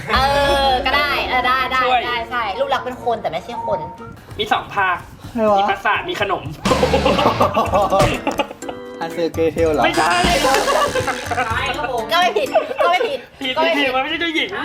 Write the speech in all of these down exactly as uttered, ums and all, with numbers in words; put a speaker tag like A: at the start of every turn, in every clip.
A: เออก็ได้เออได้ได้ได้ใช่รูปลักษณ์เป็นคนแต่ไม่ใช่คน
B: มีสองภาคมีภาษามีขนม
C: ฮันเซอร์เกเทลเหรอ
B: ไม่ใช่
A: ใช่ครับผมก็ไม่ผิดก็ไม่ผิด
B: ผิดผิดมันไม่ใช่เจ้าหญิง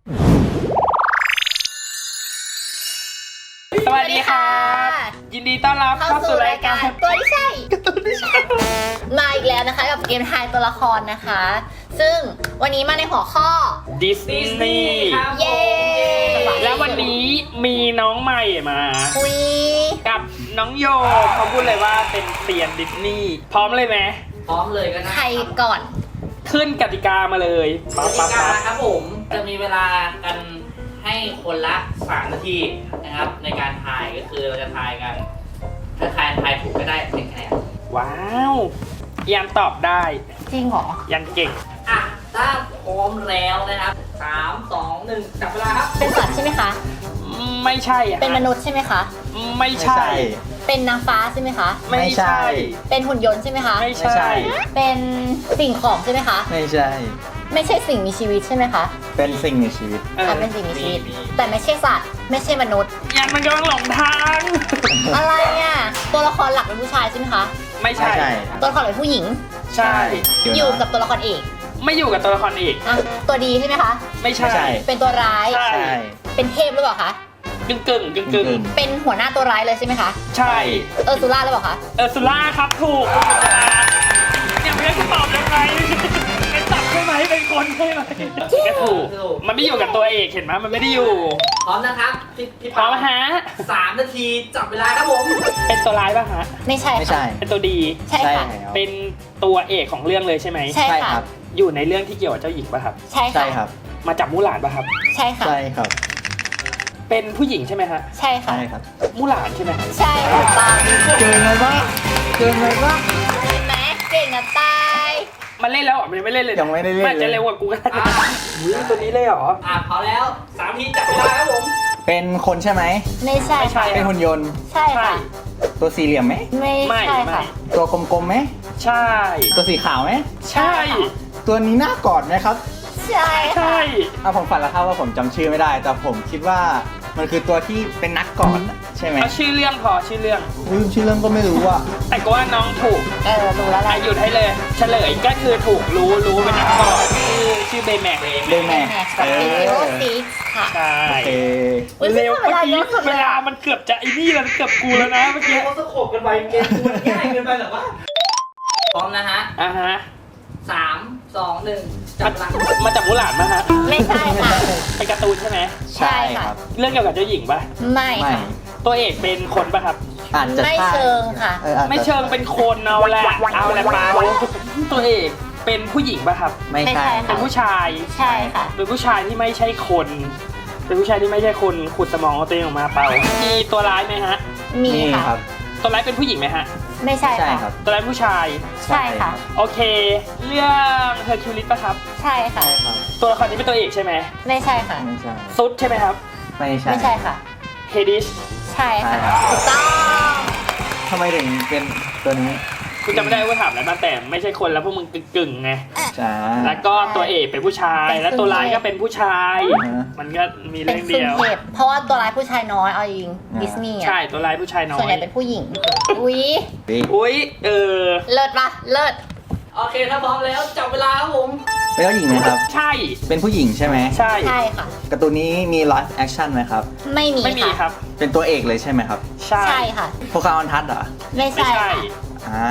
B: สวัสดีค่ะยินดีต้อนรับเข้าสู่รายการ
A: ตัวที่ใช่ตัวที่ใช่มาอีกแล้วนะคะกับเกมทายตัวละครนะคะ ซึ่งวันนี้มาในหัวข้อ
B: ดิสนีย์
A: เย้
B: แล้ววันนี้มีน้องใหม่มา
A: คุย
B: กับน้องโยเขาพูดเลยว่าเป็นเซียนดิสนีย์พร้อมเลยไหม
D: พร้อมเลยก็ได้
A: ใครก่อน
B: ขึ้นกติกามาเลย
D: กติกาครับผมจะมีเวลากันให้คนละสามนาทีนะครับในการทายก็คือเราจะทายกันถ้าทายทายถูกก็ได้หนึ่งคะแนน
B: ว้าวยันตอบได้
A: จริงเหรอ
B: ยันเก่ง
D: อ่ะถ้าพร้อมแล้วนะครับสามสองหนึ่งจับเวลาครับ
A: เป็นสัตว์ใช่ไหมคะ
B: ไม่ใช่
A: เป็นมนุษย์ใช่ไหมคะ
B: ไม่ใช่
A: เป็นนางฟ้าใช่ไหมคะ
B: ไม่ใช่
A: เป็นหุ่นยนต์ใช่ไหมคะ
B: ไม่ใช่
A: เป็นสิ่งของใช่ไหมคะ
C: ไม่ใช่
A: ไม่ใช่สิ่งมีชีวิตใช่ไหมคะ
C: เป็นสิ่งมีชีวิต
A: อ่าเป็นสิ่งมีชีวิตแต่ไม่ใช่สัตว์ไม่ใช่มนุษย์
B: ยันมันกำลังหลงทาง
A: อะไรอ่ะตัวละครหลักเป็นผู้ชายใช่ไหมคะ
B: ไม่ใช่
A: ตัวละครเป็นผู้หญิง
B: ใช่
A: อยู่กับตัวละครเอก
B: ไม่อยู่กับตัวละครเอก
A: อ่ะตัวดีใช่ไหมคะ
B: ไม่ใช่
A: เป็นตัวร้าย
B: ใช่
A: เป็นเทพหรือเปล่าคะ
B: กึ่งกึ่งกึ่งกึ่ง
A: เป็นหัวหน้าตัวร้ายเลยใช่ไหมคะ
B: ใช่
A: เออร์ซูล่าหรือเปล่าคะ
B: เออร์ซูล่าครับถูกเนี่ยไม่ได้ตอบยังไงเป็นสัตว์ใช่ไหมเป็นคนใช่ไหมก็ถูกมันไม่อยู่กับตัวเอกเห็นไหมมันไม่ได้อยู่
D: พร้อมนะครับพี่
B: พร้อมฮะ
D: สามนาทีจับเวลาครับผม
B: เป็นตัวร้ายป่ะฮะ
A: ไม่ใช่
C: ไม่ใช่
B: เป็นตัวดี
A: ใช่ค่ะ
B: เป็นตัวเอกของเรื่องเลยใช่ไหม
A: ใช่ค่ะ
B: อยู่ในเรื่องที่เกี่ยวกับเจ้าหญิงป่ะครับ
A: ใช่
C: ครับ
B: มาจับมู่หลานป่ะครับ
A: ใช่ค่ะ
C: ใช่ครับ
B: เป็นผู้หญิงใช่ไหมฮะ
A: ใช่ค่ะ
C: ใช่ครับ
B: มู่หลานใช่ไหม
A: ใช่ค่ะตา
C: เกินเลยว่าเกินเลยว่า
A: เห็นไหมเก่งอะตาย
B: มันเล่นแล้วอ่ะมันยังไม่เล่นเลย
C: ยังไม่ได้เล่น
B: มันจะเร็วกว่ากูกันอุ้ยตัวนี้เลยเหรอ
D: อ่ะพอแล้วสามทีจับเวลาครับผม
C: เป็นคนใช่ไหม
A: ไม่ใช่
B: ไม่ใช่
C: เป็นหุ่นยนต์
A: ใช่ค่ะ
C: ตัวสี่เหลี่ยมไหม
A: ไม่ใช่ค่ะ
C: ตัวกลมๆไหม
B: ใช่
C: ตัวสีขาวไหม
B: ใช่
C: ตัวนี้น่ากอดไหมครับ
A: ใช่
B: ใช่
C: เอาผมฝันแล้วครับว่าผมจำชื่อไม่ได้แต่ผมคิดว่ามันคือตัวที่เป็นนักกอดใช่ไหม
B: เอาชื่อเรื่องพอชื่อเรื่อง
C: ลืมชื่อเรื่องก็ไม่รู้อ่ะ
B: แต่ก็ว่าน้องถูก
A: เออรู้แล้วแหละ
B: หยุดให้เลยเฉลยก็คือถูกรู้รู้เป็นนักกอดชื่อชื่อเบย์แม็ก
C: เบย์แม็ก
A: เออซีค่ะ
B: ใช่
C: โอเค
B: เร็วเมื่อกี้เวลามันเกือบจะไอ้นี่แล้วเกือบกูแล้วนะเมื่อกี้
D: เขาสะโขบกันไปเกมมันง่ายเกินไปหรอวะพร้อมนะฮะ
B: อ่าฮะ
D: สามสองหนึ่งจับหลัง
B: มาจับมู่หลานมาฮะ
A: ไม่ใช่ค่ะ
B: เป็นการ์ตูนใช่ไหม
A: ใช่ค่ะ
B: เรื่องเกี่ยวกับเจ้าหญิงป่ะ
A: ไม่ค่ะ
B: ตัวเอกเป็นคนป่ะครับ
A: ไม่เชิงค่ะ
B: ไม่เชิงเป็นคนเอาแหละเอาแหละเปล่าตัวเอกเป็นผู้หญิงป่ะครับ
C: ไม่ใช่
B: เป็นผู้ชาย
A: ใช่ค่ะ
B: เป็นผู้ชายที่ไม่ใช่คนเป็นผู้ชายที่ไม่ใช่คนขุดสมองตัวเองออกมาเปล่ามีตัวร้ายไหมฮะ
A: มีค่ะ
B: ตัวร้ายเป็นผู้หญิงไหมฮะ
A: ไม่ใช่ค่ะ
B: ตัวร้ายผู้ชาย
A: ใช่ค่ะ
B: โอเคเรื่องเฮอร์คิวลิสป่ะครับ
A: ใช่ค่ะ
B: ตัวละครนี้เป็นตัวเอกใช่ไหม
A: ไม่ใช่ค่ะ
C: ไม่ใช่
B: ซุดใช่ไหมครับ
C: ไม่ใช่
A: ไม่ใช่ค่ะ
B: เฮดิช
A: ใช่ค่ะถูกต้อง
C: ทำไมถึงเป็นตัวนี้
B: คุณจำไม่ได้ว่าถามแล้วแต่ไม่ใช่คนแล้วพวกมึงกึ่งๆไงแล้วก็ตัวเอกเป็นผู้ชายแล้วตัวร้ายก็เป็นผู้ชายมันก็มีเรื่องเดียว
A: เพราะว่าตัวร้ายผู้ชายน้อยเอาจริงดิสนีย์
B: ใช่ตัวร้ายผู้ชายน้อย
A: ส่วนใหญ่เป็นผู้หญิงอุ้ย
B: อุ้ยเออ
A: เลิศปะเลิศ
D: โอเคถ้าพร้อมแล้วจับเวลาครับผม
C: เป็นเจ้าหญิงไหมครับ
B: ใช่
C: เป็นผู้หญิงใช่ไหม
B: ใช่
A: ใช่ค่ะ
C: การ์ตูนนี้มีไลฟ์แอคชั่นไหมครับ
A: ไม่มี
B: ไม่มีครับ
C: เป็นตัวเอกเลยใช่ไหมครับ
B: ใช่
A: ใช่ค่ะ
C: โปเกมอนทัชเหรอ
A: ไม่ใช่
C: อ่า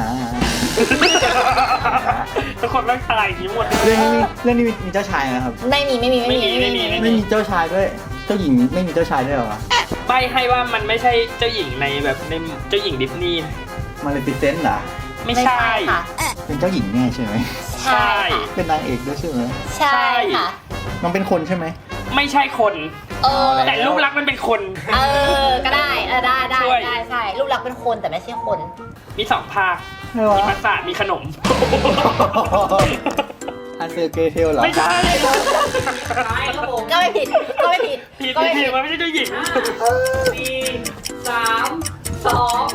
B: ทุกคนต้องทายอย่างนี้หมด
C: เรื่องนี้มีเรื่องนี้มีเจ้าชายนะครับ
A: ไม่มีไม่มีไม่มี
B: ไม่มี
C: ไม่มีเจ้าชายด้วยเจ้าหญิงไม่มีเจ้าชายด้วยเหรอ
B: ใบให้ว่ามันไม่ใช่เจ้าหญิงในแบบในเจ้าหญิงดิสนีย์
C: มาเลฟิเซนต์เหรอ
B: ไม่ใช่
A: ค่ะ
C: เป็นเจ้าหญิงแน่ใช่ไหม
B: ใช่
C: เป็นนางเอกด้วยใช่ไหม
A: ใช่ค่ะ
C: น้องเป็นคนใช่ไหม
B: ไม่ใช่คน
A: เออ
B: แต่รูปลักษณ์มันเป็นคน
A: เออก็ได้เออได้ได้ได้ใช่รูปลักษณ์เป็นคนแต่ไม่ใช่คน
B: มีสองภาคมีภาษามีขนม
C: ฮันเซอร์เกเทลเหรอ
B: ไม่ใช่
D: ครับผม
A: ก็ไม่ผิดก็ไม่ผิด
B: ผิดผิดมันไม่ใช่เจ้าหญิง
D: สี่สามสอง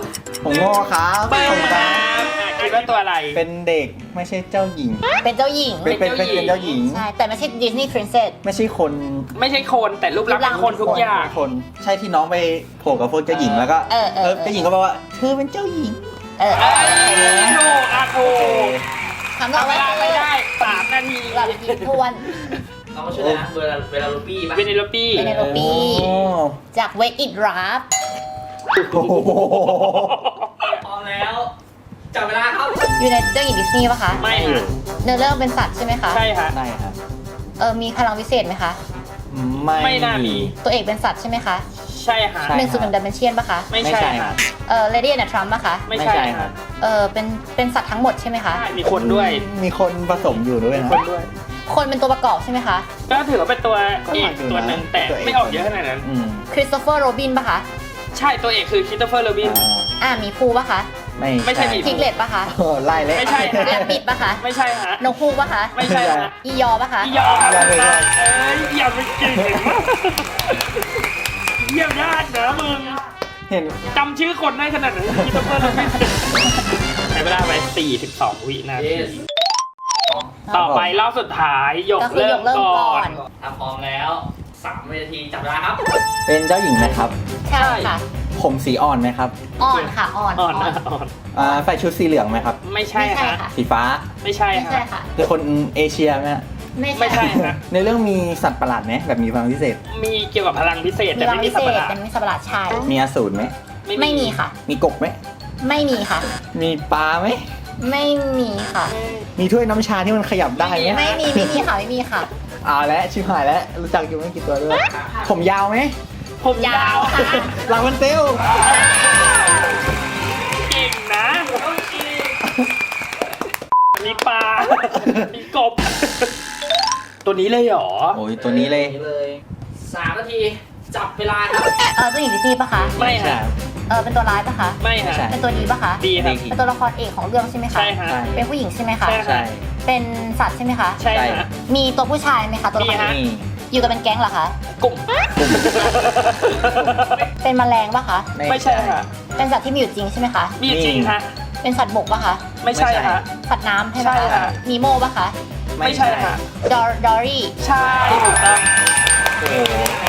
C: ผมโง่ครับ
B: เบิ้
C: ผม ม
B: ค
C: ค
B: รั
C: รั
B: บบ อ่ะคิดว่าตัวอะไร
C: เป็นเด็กไม่ใช่เจ้าหญิง
A: เป็นเจ้าหญิง
C: เป็นเป็นเป็นเป็นเจ้าหญิง
A: ใช่ แต่ไม่ใช่ดิสนีย์พรินเซส
C: ไม่ใช่คน
B: ไม่ใช่คนแต่รูปลักษณ์เป็นคนทุกอย่าง
C: คนใช่ที่น้องไปโผล่กับพวกเจ้าหญิงแล้วก็
A: เออเออ
C: เจ้าหญิงก็บอกว่าเธอเป็นเจ้าหญิง
A: เออ
B: เอ้ยถูกอ่ะถูก
A: คำตอบ
B: ทำเว
A: ว่า
B: ลาไม่ได้สามนาที
A: เราไปกินทวน
D: น้องก็ชื่ออะไรนะเวลาเวลาลูปี้ปะ
B: เวเนโลปี้
A: เวเนโลปี้
C: โอ้
A: จากเวกอิดราฟ
C: โห
D: พร้อมแล้วจับเวลาครับ
A: อยู่ในเจ้าหญิงดิสนีย์ปะคะ
B: ไม่ฮะ
A: เนื้อเรื่องเป็นสัตว์ใช่ไหมคะ
B: ใช่ฮะ
C: ได้ครับ
A: เออมีพลังวิเศษไหมคะ
C: ไม่
B: ไม่น่ามี
A: ตัวเอกเป็นสัตว์ใช่ไหมคะ
B: ใช่ฮะ
C: ใช่
A: หนึ่งศูนย์หนึ่งดัมเบลเชียนปะคะ
B: ไม่
C: ไม่
B: ใช่
C: ใช่ค
B: ฮะ
C: รับ
A: เออเลดี้แอนด์ทรัมป์ปะคะ
B: ไม่
C: ไม่
B: ใช่
C: ใช่ค
B: ฮะ
C: รับ
A: เออเป็นเป็นสัตว์ทั้งหมดใช่ไหมคะ
B: ใช่มีคนด้วย
C: มีคนผสมอยู่ด้วย
B: มี
C: นะ
B: คนด้วย
A: คนเป็นตัวประกอบใช่ไหมคะ
B: ก็ถือว่าเป็นตัว
C: ก็
B: เอ
C: ห
B: ก
C: นักอยู่นะ
B: ตัวหนึ่งแต่
C: ตัวเอก
B: ไม่ออกเยอะขนาดนั้น
C: อืม
A: คริสโตเฟอร์โรบินปะคะ
B: ใช่ตัวเอกคือคริสโตเฟอร์โรบิน
C: อ่า
A: อ่ามีภูปะคะ
C: ไม่
B: ไม่ใช่หมี
A: พิกเลตปะคะ
C: โอ้ไล่เลย
B: ไม่ใช่
A: แรบบิดปะคะ
B: ไม่ใช่ฮะ
A: นกฮูกปะคะ
B: ไม่ใช่ฮะ
A: อียอปะคะ
B: อียอครับ
C: อย่าเลย
B: เอ้ยอย่าไปเก่งมากเยี่ยมยากนะมึง
C: เห็น
B: จำชื่อคนได้ขนาดนั้นคริสโตเฟอร์โรบินใช้เวลาไปสี่สิบสองวินาที
D: Yes
B: ต่อไปรอบสุดท้ายหยก
A: ก็คือ
B: เริ่
A: ย
B: ม
A: กเริ่ม
B: ก่
A: ก่
B: อ
A: อน น
D: ถ้าพร้อมแล้วสามนาทีจับเวลาครับ
C: เป็นเจ้าหญิงไหมครับ
A: ใช่ค่ะ
C: ผมสีอ่อนไหมครับ
A: อ่อนค่ะ อ่อน
B: อ่อนนะอ่อน
C: อ่าใส่ชุดสีเหลืองไหมครับ
B: ไม่ใช่
A: ไม่ใช่
B: ฮะ
A: ค่ะ
C: สีฟ้า
B: ไม่ใช่
A: ไม่ใช่
B: ฮะ
A: ค่ะ
C: เป็นคนเอเชียไหมฮะ
B: ไม่ใช่ฮะ
C: ในเรื่องมีสัตว์ประหลาดไหมแบบมีพลังพิเศษ
B: มีเกี่ยวกับพลังพิเศษ
A: มี
B: แต่
A: รัง
B: ไม่มี
A: พิ
B: สั
A: เศ
B: ตว์ประ
A: ษ
B: หลาด
A: เป็นมิตรสัตว์ประหลาดชาย
C: มีอสูรไหม
A: ไม่มีค่ะ
C: มีกบไหม
A: ไม่มีค่ะ
C: มีปลาไหม
A: ไม่มีค่ะ
C: มีถ้วยน้ำชาที่มันขยับได้ไหม
A: ไม่มีไม่มีค่ะไม่มีค่ะ
C: เอาแล้วชิบหายแล้วรู้จักอยู่ไม่กี่ตัวด้วย ผมยาวไหม
B: ผมยาว
A: ค่ะ
C: ลาวันเซล
B: เก่งนะ มีปลา มีกบ ตัวนี้เลยเหรอ
C: โอ้ยตัวนี้เลย
D: เลยสามนาทีจับเวลาครับ
A: เออเจ้าหญิงดิสนีย์ปะคะ
B: ไม่ฮะ
A: เออเป็นตัวร้ายปะคะ
B: ไม่ฮะ
C: ใช่
A: เป็นตัวดีปะคะ
B: ดีครับ
A: เป็นตัวละครเอกของเรื่องใช่ไหมคะ
B: ใช่ฮะ
C: ใช่
A: เป็นผู้หญิงใช่ไหมคะ
B: ใช่
C: ใช่
A: เป็นสัตว์ใช่ไหมคะ
B: ใช่ฮะ
A: มีตัวผู้ชายไหมคะตัวละค
B: มี
A: ร
B: ฮะ
C: นี่
A: อยู่กันเป็นแก๊งเหรอคะ
B: กลุ่ม
A: เป็นแมลงปะคะ
B: ไม่ใช่ฮะ
A: เป็นสัตว์ที่มีอยู่จริงใช่ไหมคะ
B: มีจริงฮะ
A: เป็นสัตว์บกปะคะ
B: ไม่ใช่ฮะ
A: สัตว์น้ำใช่ไหม
B: ใช่
A: คะ
B: ค่ะ
A: นีโมปะคะ
B: ไม่ใช่ฮะ
A: ดอดอรี่
B: ใช่ถูกต้อง
C: โอ้โห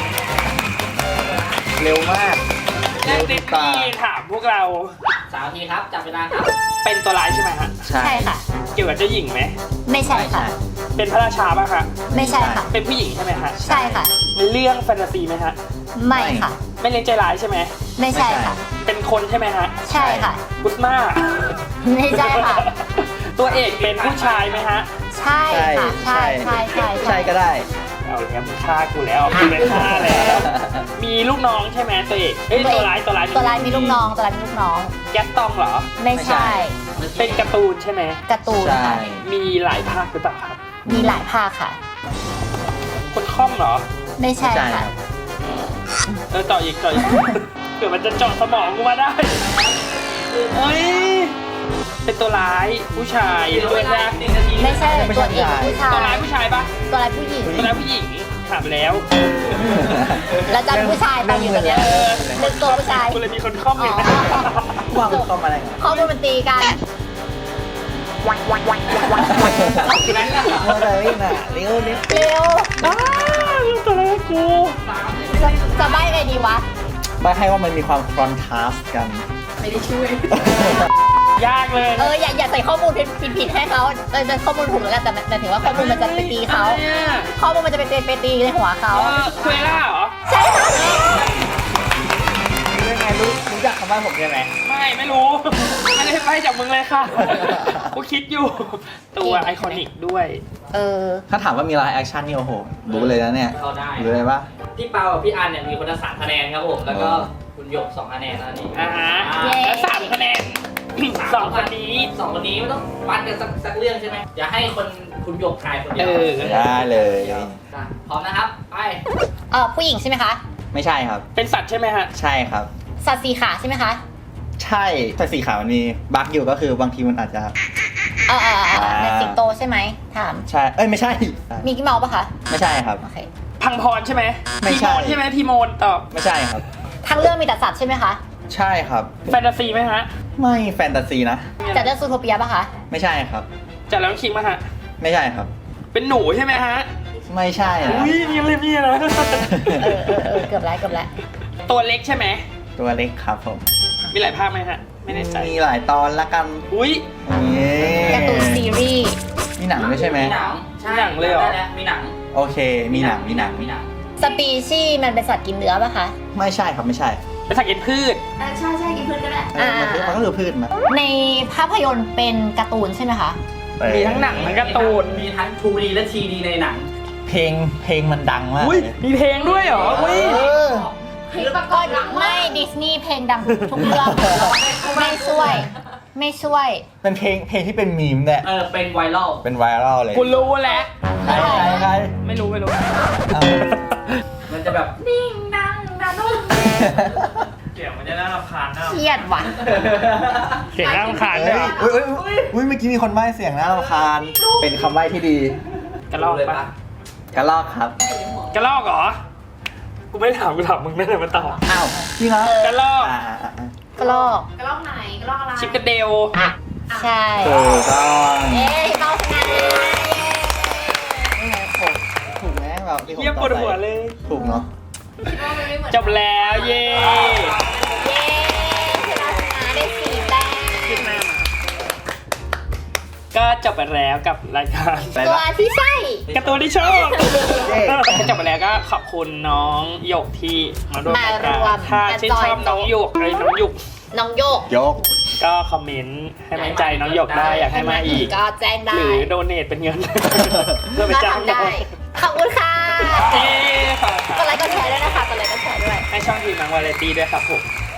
C: เร็วมาก
B: แล้ติดนี่ถามพวกเรา
D: สามนาทีครับจับเวลาครับ
B: เป็นตัวร้ายใช่ไหมฮะ
C: ใช่
A: ใช่ค่ะ
B: เกี่ยวกับเจ้าหญิงไหม
A: ไม่ใช่ค่ะ
B: เป็นพระราชาป่ะคะ
A: ไม่ใช่ค่ะ
B: เป็นผู้หญิงใช่ไหมฮะ
A: ใช่ค่ะ
B: เป็นเรื่องแฟนตาซีไหมฮะ
A: ไม่ค่ะ
B: ไม่เล่นใจร้ายใช่ไหม
A: ไม่ใช่ค่ะ
B: เป็นคนใช่ไหมฮะ
A: ใช่ค่ะ
B: กุสมา
A: ไม่ใช่ค่ะ
B: ตัวเอกเป็นผู้ชายไหมฮะ
A: ใช่ค่ะ ใช่ใช่ใช่
C: ใช่ก็ได้
B: เอาแล้วมึงฆ่ากูแล้วกูเป็นฆ่าแล้ว มีลูกน้องใช่ไหมตัวเอกเอ้ยตัวร้ายตัวร้าย
A: ตัวร้ายมีลูกน้องตัวร้ายมีลูกน้อง
B: แก๊สตองเหรอ
A: ไม่ใช่
B: เป็นการ์ตูนใช่ไหม
A: การ์ตูน
C: ใช่
A: ค่ะ
B: มีหลายภาคหรือเปล่าครับ
A: มีหลายภาคค่ะ
B: คนค่อมเหรอ
A: ไม่ใช่
C: ใช่ค
A: ค่ะ
C: รับ
B: เออเจาะอีกเจาะอีก เผื่อมันจะเจาะสมองกูมาได้เอ้ย เป็นตัวร้ายผู้ชาย
D: เหลือ
B: ด้
D: เว
B: วย
D: ลา
B: นะ
D: หนึ่งนาที
A: ไม่ใช่
C: ไม่
A: ตั
C: ใช่
A: วเอกผู้ชา
B: ตัวร้าย ยผู้ชายปะ
A: ตัวร้ายผู้หญิง
B: ตัวร้ายผู้หญิงถามไปแล้ว
A: แล้วจำผู้ชายไปอยู่ตอนเนี้ย
B: เออ
A: นึกตัวผู้ชาย
B: กูเลยมีคนค่อมอยู่นะ
C: ว่างเข้ามาอะไร
A: ข้อมูลมันตีกัน
D: นั้นแหละ
C: เมื่อไรน่ะเร็วเร็ว
A: เร็ว
B: อ้าวตัวร้ายกู
D: สามนาที
A: จะจะใบ้ไงดีวะ
C: ไม่ให้ว่ามันมีความคอนทราสต์กัน
A: ไม่ได้ช่วย
B: ยากเลย
A: เอออย่าอย่าใส่ข้อมูลผิดผิดผิดให้เขาเออจะข้อมูลถูกแล้วกันแต่แต่ถึงว่าข้อมูลมันจะไปตีเขา
B: อะไรอะ
A: ข้อมูลมันจะไปตีไปตีในหัวเขา
B: เออคุยล่าเหรอ
A: ใช่ค่ะ
C: รู้ได้ไงรู้รู้จักคำว่าผมใช่ไหม
B: ไม่ไม่รู้ ไม่ได้ไปจากมึงเลยค่ะ กูคิดอยู่ ตัวไอคอนิกด้วย
A: เออ
C: ถ้าถามว่ามีไลฟ์แอคชั่นนี่โอ้โหรู้เลยนะเนี่ย
D: เข้าได้
C: รู้เลยปะ
D: พี่เปากับพี่อันเนี่ยมีคนละสามคะแนนครับผมแล้วก็คุณหยกสองคะแนนแล้วนี่
B: อ่าฮะ
A: เย้
B: แล้วสามคะแนน สองคนนี้
D: สองคนนี้ไม่ต้องปันกันสักสักเรื่องใช่ไหมอย่าให้คนคุณหยกทายคนเดี
B: เอ
D: ยว
B: อ
C: ได้เลย
D: อ่ะพร้อมนะครับไป
A: เออผู้หญิงใช่ไหมคะ
C: ไม่ใช่ครับ
B: เป็นสัตว์ใช่ไหมฮะ
C: ใช่ครับ
A: สัตว์สีขาใช่ไหมคะ
C: ใช่แต่สีขาวมันมีบั๊กอยู่ก็คือบางทีมันอาจจะ
A: เออเออเออ
C: อ่า
A: ในสิงโตใช่ไหมถาม
C: ใช่ เอ้ยไม่ใช่
A: มีกี่เมาส์ปะคะ
C: ไม่ใช่ครับ
A: โอเค
B: พังพรใช่ไหม
C: ไม่
B: ที
C: ใช่
B: โมนใช่ไหมทีโมนตอบ
C: ไม่ใช่ครับ
A: ทั้งเรื่องมีแต่สัตว์ใช่ไหมคะ
C: ใช่ครับ
B: แฟนตาซีไหมฮะ
C: ไม่แฟนตาซีนะ
A: จะเลือกซูโทเปียป่ะคะ
C: ไม่ใช่ครับ
B: จากแล้วคิงมาฮะ
C: ไม่ใช่ครับ
B: เป็นหนูใช่ไหมฮะ
C: ไม่ใช่นะ
B: อุ้ยนี่เลยนี่นะ
A: เออเออเออเกือบแล้วเกือบแล้ว
B: ตัวเล็กใช่ไหม
C: ตัวเล็กครับผม
B: มีหลายภาคไหมฮะ ไม่แน่ใจ
C: มีหลายตอนละกัน
B: อุ้ย
C: นี่
A: การ์ตูนซีรีส์
C: มีหนังด้วยใช่ไหม
D: มีหนังใช่
B: หนังเลยเหรอ
D: ได้แล้วมีหนัง
C: โอเค มีหนังมีหนัง
D: มีหนัง
A: สปีชีส์มันเป็นสัตว์กินเนื้อป่ะคะ
C: ไม่ใช่ครับไม่ใช่
B: เป็นสัตว์กินพืช
A: ใช่ใช่กินพืชก็ได้
C: เออมันคือมันก็คือพืชมา
A: ในภาพยนตร์เป็นการ์ตูนใช่ไหมคะ
B: มีทั้งหนังทั้งการ์ตูน
D: มีทั้ง ทู ดี และ ทรี ดี ในหนัง
C: เพลงเพลงมันดังมาก
B: อุ้ย
C: เลย
B: มีเพลงด้วยเหรอ อุ้ย
C: เออ
A: คือประกอบไม่ดิสนีย์เพลงดังทุกเรื่องไม่ช่วย ไม่ช่วย
C: เป็นเพลงเพลงที่เป็นมีมเนี่ย
D: เออ เป็นไวรัล
C: เป็นไวรัลเลย
B: กูรู้แล้ว
C: ใครใครใคร
B: ไม่รู้ไม่รู้
C: เอา
D: มันจะแบบ
A: นิ่งดังดัง
B: เสียงมันจะน่ารำคาญนะ
A: เครียดว่ะ
B: เสียงน่ารำคาญ
C: เฮ้
B: ด้วย
C: ยอุ้ยอุ้ยอุ้ยอุ้ยเมื่อกี้มีคนใบ้เสียงน่ารำคาญ เป็นคำใบ้ที่ดี
B: กระลอก
D: เลย
B: ปะ
D: ปะ
C: กระลอกครับ
B: กระลอกเหรอ กูไม่ถามกูถามมึงนั่นแหละมาตอบ
C: อ้าวจริงเหรอก
B: ระลอก
C: อ่าอ่าอ่าก
A: ระลอก
E: กระรอกไหนกระรอกอะไร
B: ชิปกระเดล
A: ใช่
C: ถูกต้อง
A: เย้เบาขนาดนี้
C: นี่ไงผมถูกไหมแบบที่ผม
B: เยี่ยมปวดหัวเลย
C: ถูกเนาะ
E: คิดว่ามันไม่เหมือน
B: จบแล้วเย่
A: เย้ชนะชนะได้สี่แต้ม
B: ขึ้นหน้ามาก็จบไปแล้วกับรายการ
C: อะไร
A: ตัว
C: นะ
A: ที่ใช่
B: การ์ตูนที่ชอบ
C: เย้
B: ก็จบไปแล้วก็ขอบคุณน้องหยกที่มาร่วมรายการ
A: มารวม
B: ถ้าชื่นชอบน้องหยกเอ้ยน้องหยก
A: น้องโยก
C: ยก
B: ก็คอมเมนต์ให้กำลังใจน้องหยกได้อยากให้มาอีก
A: ก็แจ้งได้
B: หรือโดเนทเป็นเงิน เพื่อไป
A: ก็
B: จ้าง
A: ทำ
B: น้อ
A: ได้
B: ง
A: ขอบคุณค่ะ
B: เย้ขอบ
A: กดไลค์กดแชร์ด้วยนะคะกดไลค์กดแชร์ด้วย
B: ให้ช่องทีมมังวาไรตี้ด้วยครับผม